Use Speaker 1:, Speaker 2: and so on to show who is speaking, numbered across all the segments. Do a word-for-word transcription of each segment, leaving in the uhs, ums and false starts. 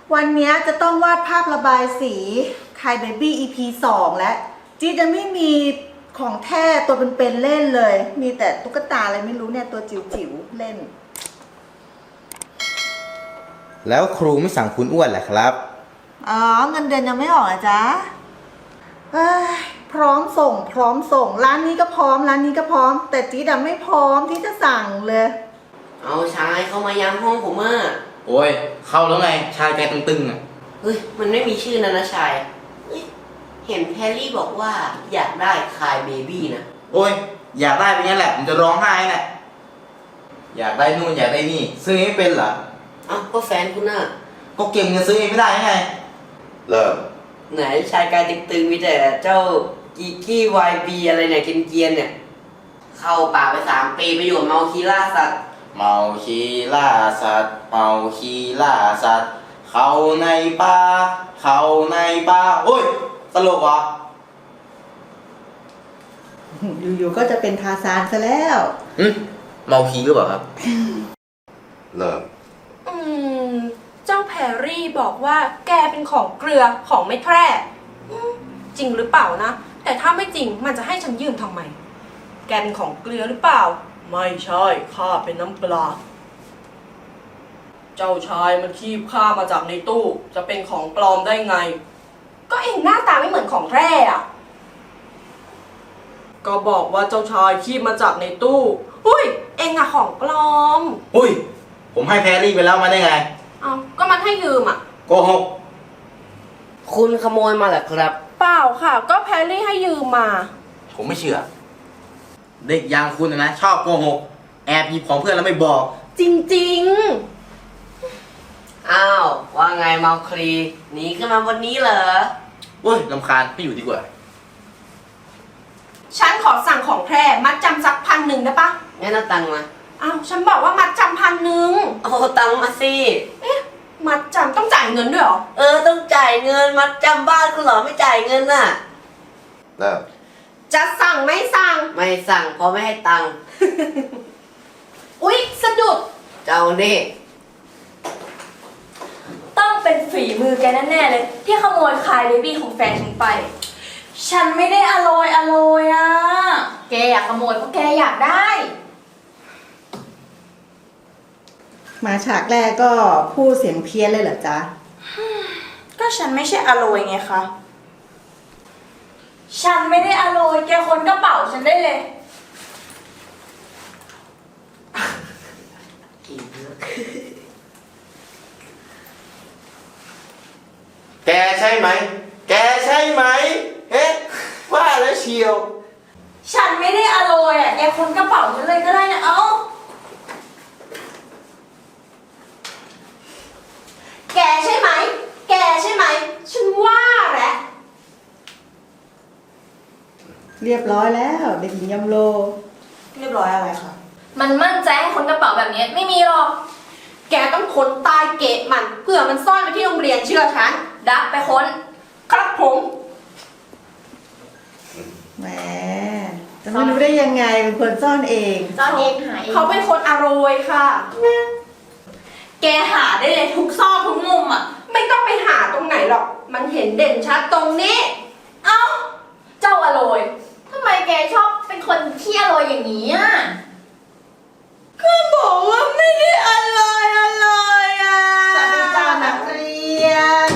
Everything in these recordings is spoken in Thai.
Speaker 1: วันนี้จะต้องวาดภาพระบายสีคายเบบี้ อี พี สองแล้วจีจะไม่มีของแท้ตัวเป็นๆเล่นเลย มีแต่ตุ๊กตาอะไรไม่รู้เนี่ยตัวจิ๋วๆเล่น
Speaker 2: แล้วครูไม่สั่งคุณอ้วนแหละครับ
Speaker 1: อ๋อเงินเดือนยังไม่ออกอ่ะจ๊ะเอ้ยพร้อมส่งพร้อมส่งร้านนี้ก็พร้อมร้านนี้ก็พร้อม แต่จีดไม่พร้อมที่จะสั่งเลย
Speaker 3: เอาชายเข้ามายังห้องผมอ่ะ
Speaker 2: โอ้ยเข้าแล้วไงชายใจตึงๆอ่ะ
Speaker 3: เฮ้ยมันไม่มีชื่อนะนะชายเฮ้ยเห็นแพรรี่บอกว่าอยากได้คายเบบี้นะ
Speaker 2: โอ้ยอยากได้เป็นงั้นแหละผมจะร้องไห้แหละอยากได้นู่นอยากได้นี่ซื้อไม่เป็นเหรอ
Speaker 3: เอ้าก็แฟนคุณน่ะ
Speaker 2: ก็เก่งเงินซื้อเองไม่ได้ไงเริ่ม
Speaker 3: ไหนชายกายตึงๆมีแต่เจ้ากีกี้วายบีอะไรเนี่ยเกียนๆเนี่ยเข้าป่าไปสามปีไปอยู่เมาคีล่าสัตว์
Speaker 2: เมาคีล่าสัตว์เมาคีล่าสัตว์เขาในป่าเขาในป่าโอ้ยตลกวะ
Speaker 1: อยู่ๆก็จะเป็นทาซานซะแล้ว
Speaker 2: อืมเมาคีหรือเปล่าครับเริ่ม
Speaker 4: อืมเจ้าแพรรี่บอกว่าแกเป็นของเกลือของไม่แพร่จริงหรือเปล่านะแต่ถ้าไม่จริงมันจะให้ฉันยืมทำไมแกเป็นของเกลือหรือเปล่าไม่ใช่ข้าเป็นน้ำปลาเจ้าชายมันคีบข้ามาจากในตู้จะเป็นของปลอมได้ไงก็เองหน้าตาไม่เหมือนของแพร่อะก็บอกว่าเจ้าชายคีบมาจากในตู้อุ้ยเองอะของปลอม
Speaker 2: อุ้ยผมให้แพรรี่ไปแล้วมาได้ไง
Speaker 4: เอาก็มันให้ยืมอะ
Speaker 2: โกหก
Speaker 3: คุณขโมยมาเหรอครับ
Speaker 4: เปล่าค่ะก็แพรรี่ให้ยืมมา
Speaker 2: ผมไม่เชื่อเด็กอย่างคุณนะชอบโกหกแอบหยิบของเพื่อนแล้วไม่บอก
Speaker 4: จริง
Speaker 3: ๆอ้าวว่าไงเมาคลีหนีขึ้นมาวันนี้เหรอ
Speaker 2: โอ้ยรำคาญไม่อยู่ดีกว่า
Speaker 4: ฉันขอสั่งของแพรมัดจำสักพันหนึ่งได้ปะ
Speaker 3: งั้นเอาตังค์มา
Speaker 4: อ้าวฉันบอกว่ามัดจำพันหนึ่ง
Speaker 3: เอาตังค์มาสิ
Speaker 4: เอ๊ะมัดจำต้องจ่ายเงินด้วยเหรอ
Speaker 3: เออต้องจ่ายเงินมัดจำบ้านคุณเหรอไม่จ่ายเงินน่ะ
Speaker 2: เริ่ม
Speaker 4: จะสั่งไม่สั่ง
Speaker 3: ไม่สั่งเพราะไม่ให้ตังค์
Speaker 4: อุ๊ยสะดุด
Speaker 3: เจ้านี่
Speaker 5: ต้องเป็นฝีมือแกแน่ๆเลยที่ขโมยคายเบบี้ของแฟนฉันไปฉันไม่ได้อร่อยอร่อยอ่ะแกอยากขโมยเพราะแกอยากได้
Speaker 1: มาฉากแรกก็พูดเสียงเพี้ยนเลยเหรอจ๊ะ
Speaker 5: ก็ฉันไม่ใช่อร่อยไงคะฉันไม่ได้อร่อยแกค้นกระเป๋าฉันได้เลย
Speaker 2: แกใช่ไหมแกใช่ไหมเอ๊ะว่าแล้วเชียว
Speaker 5: ฉันไม่ได้อร่อยอ่ะแกค้นกระเป๋าฉันเลยก็ได้นะเอ้าแกใช่ไหมแกใช่ไหมฉันว่าแหละ
Speaker 1: เรียบร้อยแล้วเด็กหญิงยำโล
Speaker 5: เรียบร้อยอะไรคะมันมั่นใจให้คนกระเป๋าแบบนี้ไม่มีหรอก
Speaker 4: แกต้องค้นใต้เกะมันเผื่อมันซ่อนไว้ที่โรงเรียนเชื่อฉัน
Speaker 5: ดักไปค้น
Speaker 4: ครับผม
Speaker 1: แหมจะไม่รู้ได้ยังไงเป็นคนซ่อนเอง
Speaker 5: ซ่อนเองหาเอง
Speaker 4: เขาเป็นคนอร่อยค่ะ
Speaker 5: แกหาได้เลยทุกซอกทุกมุมอ่ะ
Speaker 4: ไม่ต้องไปหาตรงไหนหรอกมันเห็นเด่นชัดตรงนี้
Speaker 5: เอ้าเจ้าอร่อยทำไมแกชอบเป็นคนที่อร่อยอย่างนี้อ่ะ
Speaker 1: ก็บอกว่าไม่ได้อร่อยอร่อยอ่ะสวัสดีจ้านักเรียน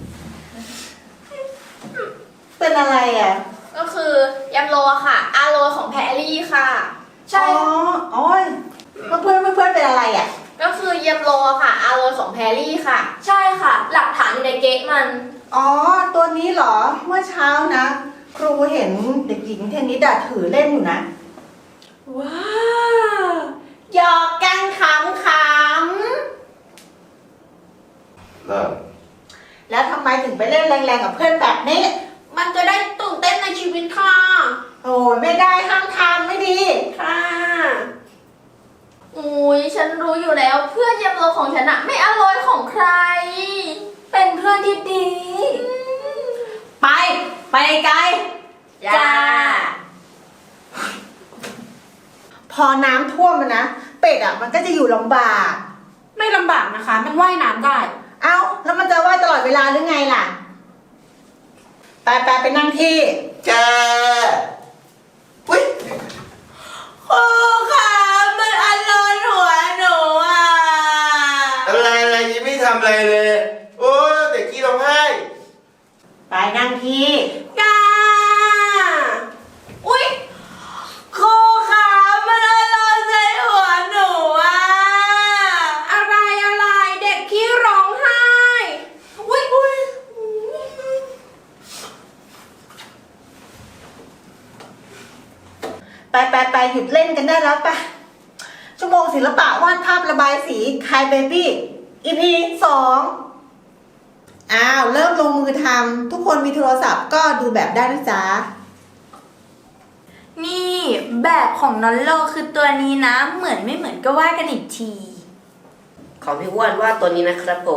Speaker 1: เป็นอะไรอ่ะ
Speaker 5: ก็คือยำโรค่ะอาโรของแพรรี่ค่ะ
Speaker 1: ใช่อ๋ออ๋อเพื่อนเพื่อนเพื่อนเป็นอะไรอ่ะ
Speaker 5: ก็คือยำโรค่ะอาโรของแพรรี่ค่ะใช่ค่ะหลักฐานอยู่ในเก๊ะมัน
Speaker 1: อ๋อตัวนี้เหรอเมื่อเช้านะครูเห็นเด็กหญิงเทนนิสถือเล่นอยู่นะ
Speaker 4: ว้าวหยอกกันขำข
Speaker 2: ำเริ่ม
Speaker 1: แล้วทำไมถึงไปเล่นแรงๆกับเพื่อนแบบนี้
Speaker 4: มันจะได้ตื่นเต้นในชีวิตค่ะ
Speaker 1: โอ้ยไม่ได้ห้ามทำไม่ดี
Speaker 4: ค่ะ
Speaker 5: อุ้ยฉันรู้อยู่แล้วเพื่อนยำโรของฉันอะไม่อร่อยของใครเป็นเพื่อนที่ดี
Speaker 4: ไปไปไกล
Speaker 5: จ้า
Speaker 1: พอน้ำท่วมมันนะเป็ดอ่ะมันก็จะอยู่ลำบาก
Speaker 4: ไม่ลำบากนะคะมันว่ายน้ำได้
Speaker 1: เอ้าแล้วมันจะว่ายเวลาหรือไงล่ะ ไปไปไปนั่งที่
Speaker 2: แกอุ้ย
Speaker 5: ครูคะมันอันร้อนหัวหนูอ่ะ
Speaker 2: อะไรอะไรยังไม่ทำอะไรเลย โอ้เด็กกี้ร้องไห้
Speaker 1: ไปนั่งที่
Speaker 5: กาอุ้ยครูคะมันอันร้อนใจหัวหนูอ่ะ
Speaker 4: อะไรอะไรเด็กขี้ร้องไห้
Speaker 5: อุ้ยอุ้ย
Speaker 1: ไปไปไปหยุดเล่นกันได้แล้วไปชั่วโมงศิลปะวาดภาพระบายสีคายเบบี้ อี พี สองอ้าว เริ่มลงมือทำทุกคนมีโทรศัพท์ก็ดูแบบได้นะจ๊ะ
Speaker 5: นี่แบบของนอลโลคือตัวนี้นะ เหมือนไม่เหมือนก็ว่ากันอีกที
Speaker 3: ของพี่อ้วนว่าตัวนี้นะครับผม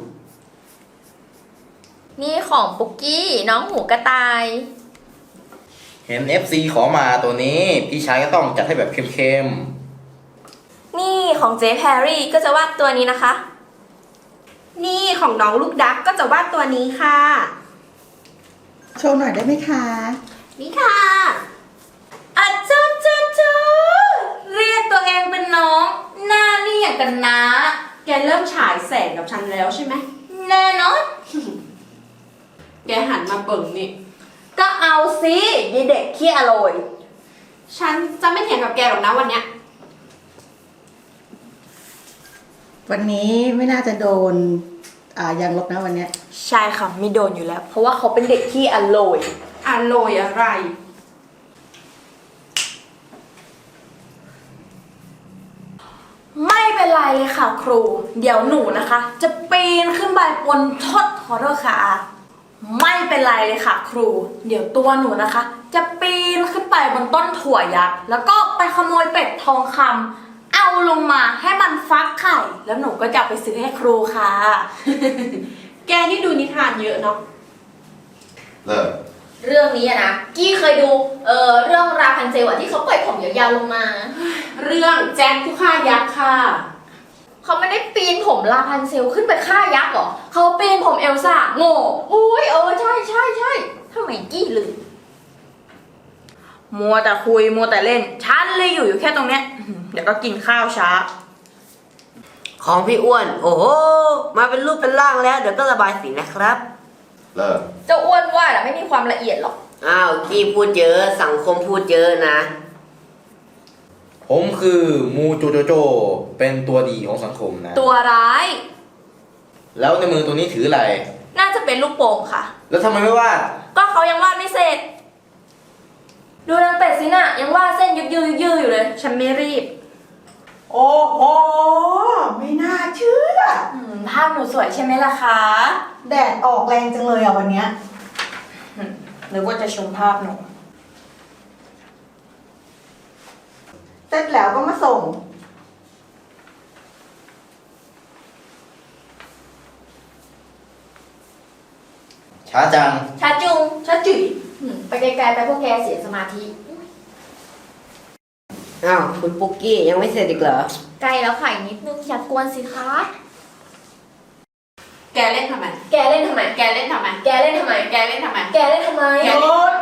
Speaker 6: นี่ของปุกกี้น้องหูกระต่าย
Speaker 2: เห็น เอฟ ซี ขอมาตัวนี้ พี่ชายก็ต้องจัดให้แบบเข้ม
Speaker 6: นี่ของเจ๊แพรรี่ก็จะวาดตัวนี้นะคะ
Speaker 4: นี่ของน้องลูกดักก็จะวาดตัวนี้ค่ะ
Speaker 1: โชว์หน่อยได้ไหมคะ
Speaker 4: นี่ค่ะ
Speaker 5: อะเจ้าเจ้าเจ้าเรียกตัวเองเป็นน้อง หน้านี่อย่างกันนะ
Speaker 4: แกเริ่มฉายแสงกับฉันแล้วใช่ไหม
Speaker 5: แน่นอน
Speaker 4: แกหันมาเบิ่งนี่
Speaker 5: ก็เอาสิยายเด็กขี้อร่อย
Speaker 4: ฉันจะไม่เถียงกับแกหรอกนะวันเนี้ย
Speaker 1: วันนี้ไม่น่าจะโดนอ่ายางลบนะวันเนี้ย
Speaker 5: ใช่ค่ะไม่โดนอยู่แล้ว เพราะว่าเขาเป็นเด็กขี้อร่อย
Speaker 4: อร่อยอะไร
Speaker 5: ไม่เป็นไรเลยค่ะครู เดี๋ยวหนูนะคะ จะปีนขึ้นไปบนทอดขอโทษค่ะ ไม่เป็นไรเลยค่ะครู เดี๋ยวตัวหนูนะคะ จะปีนขึ้นไปบนต้นถั่วยักษ์แล้วก็ไปขโมยเป็ดทองคำเอาลงมาให้มันฟักไข่ แล้วหนูก็จะเอาไปซื้อให้ครูค่ะ
Speaker 4: แกนี่ดูนิทานเยอะเนาะ
Speaker 2: ๆ เลิก
Speaker 6: เรื่องนี้อะนะกี้เคยดูเออเรื่องราพันเซลอะที่เขาปล่อยผมยาวๆลงมา
Speaker 4: เรื่องแจ็คผู้ฆ่ายักษ์ค่ะ
Speaker 6: เขาไม่ได้ปีนผมราพันเซลขึ้นไปฆ่ายักษ์หรอ
Speaker 5: เขาปีนผมเอลซ่าโง่
Speaker 6: อุ้ยเออใช่ใช่ใช่ทำไมกี้ลืม
Speaker 5: มัวแต่คุยมัวแต่เล่นฉันเลยอยู่อยู่แค่ตรงเนี้ยอื้อหือเดี๋ยวก็กินข้าวช้า
Speaker 3: ของพี่อ้วน โอ้โห มาเป็นรูปเป็นร่างแล้ว เดี๋ยวก็ระบายสีนะครับ
Speaker 2: เลิก
Speaker 6: เจ้าอ้วนว่าอะไม่มีความละเอียดหรอก
Speaker 3: อ้าวกี้พูดเยอะ สังคมพูดเยอะนะ
Speaker 2: ผมคือมูโจโจโจ เป็นตัวดีของสังคมนะ
Speaker 5: ตัวร้าย
Speaker 2: แล้วในมือตัวนี้ถืออะไร
Speaker 5: น่าจะเป็นลูกโป่งค่ะ
Speaker 2: แล้วทำไมไม่วาด
Speaker 5: ก็เขายังวาดไม่เสร็จ ดูนางเป็ดสินะยังวาดเส้นยึกยือยึกยืออยู่เลย
Speaker 4: ฉันไม่รีบ
Speaker 1: โอ้โห ไม่น่าเชื่อ
Speaker 5: อืมภาพหนูสวยใช่ไหมล่ะคะ
Speaker 1: แดดออกแรงจังเลยอ่ะวันเนี้ย
Speaker 5: หรือว่าจะชมภาพหนู
Speaker 1: เสร็จแล้วก็มาส่ง
Speaker 2: ช้าจัง
Speaker 6: ชาจุง
Speaker 5: ชาจุ๋ย
Speaker 6: อืมไปไกลๆไปพวกแกเสียสมาธิ
Speaker 3: อ้าว คุณปุ๊กกี้ยังไม่เสร็จอีกเหรอ
Speaker 6: ใกล้แล้วค่ะอีกนิดนึงอย่ากวนสิคะ
Speaker 4: แกเล่นทำไม
Speaker 6: แกเล่นทำไม
Speaker 4: แกเล่นทำไม
Speaker 6: แกเล่นทำไม
Speaker 4: แกเล่นทำไม
Speaker 6: แกเล่นทำไม
Speaker 4: แก
Speaker 1: โยน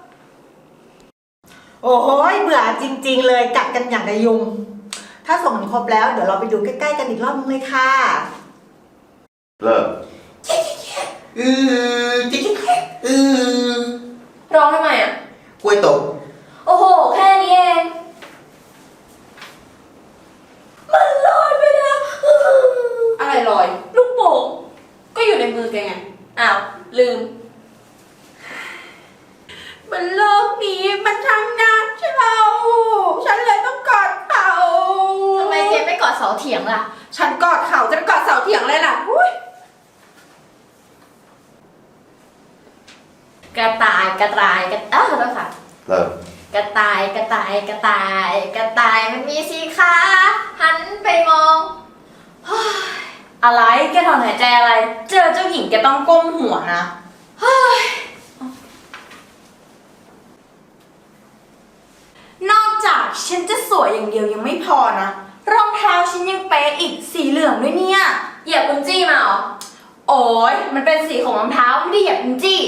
Speaker 1: โอ้โหเบื่อจริง ๆ เลยกัดกันอย่างกระยุง ถ้าส่งกันครบแล้ว เดี๋ยวเราไปดูใกล้ๆกันอีกรอบนึงเลยค่ะ
Speaker 2: เลิกอือจิ๊กอือ
Speaker 6: ร้องทำไมอ่ะ
Speaker 2: กล้วยตก
Speaker 6: โอ้โห แค่นี้เอง
Speaker 5: มันลอยไปแล้ว
Speaker 4: อะไรลอย
Speaker 5: ลูกโป่ง
Speaker 4: ก็อยู่ในมือแกไง
Speaker 5: อ้าว ลืม
Speaker 4: บนโลกนี้มันทำงานเราฉันเลยต้องกอดเขา
Speaker 6: ทำไมแกไม่กอดเสาเถียงล่ะ
Speaker 4: ฉันกอดเขาจะไปกอดเสาเถียงเลยล่ะอุ๊ย
Speaker 6: กระต่ายกระต่ายกระต่ายขอโทษค่ะ
Speaker 2: เลิก
Speaker 6: กระต่ายกระต่ายกระต่าย กระต่ายมันมีสีขาหันไปมอง
Speaker 5: อะไร แกถอนหายใจอะไร เจอเจ้าหญิงแกต้องก้มหัวนะ นอกจากฉันจะสวยอย่างเดียวยังไม่พอนะ รองเท้าฉันยังเป๊ะอีกสีเหลืองด้วยเนี่ย
Speaker 6: เหยียบคุณจี้มาเหรอ
Speaker 5: โโอ้ยมันเป็นสีของรองเท้าไม่ได้เหยียบจี้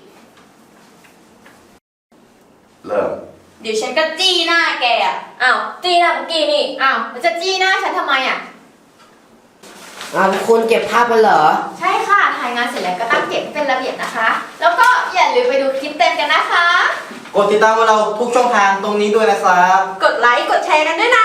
Speaker 2: เริ่ม
Speaker 5: เดี๋ยวฉันก็จี้หน้าแกอ่ะ
Speaker 6: อ้าวจี้หน้าปุกกี้นี่ อ้าวมันจะจี้หน้าฉันทำไมอ่ะ
Speaker 3: อ้าวคุณเก็บภาพมันเหรอ
Speaker 6: ใช่ค่ะ ถ่ายงานเสร็จแล้วก็ตั้งเก็บให้เป็นระเบียบนะคะ แล้วก็อย่าลืมไปดูคลิปเต็มกันนะคะ
Speaker 2: กดติดตามพวกเราทุกช่องทางตรงนี้ด้วยนะครับ
Speaker 4: กดไลค์ กดแชร์กันด้วยนะ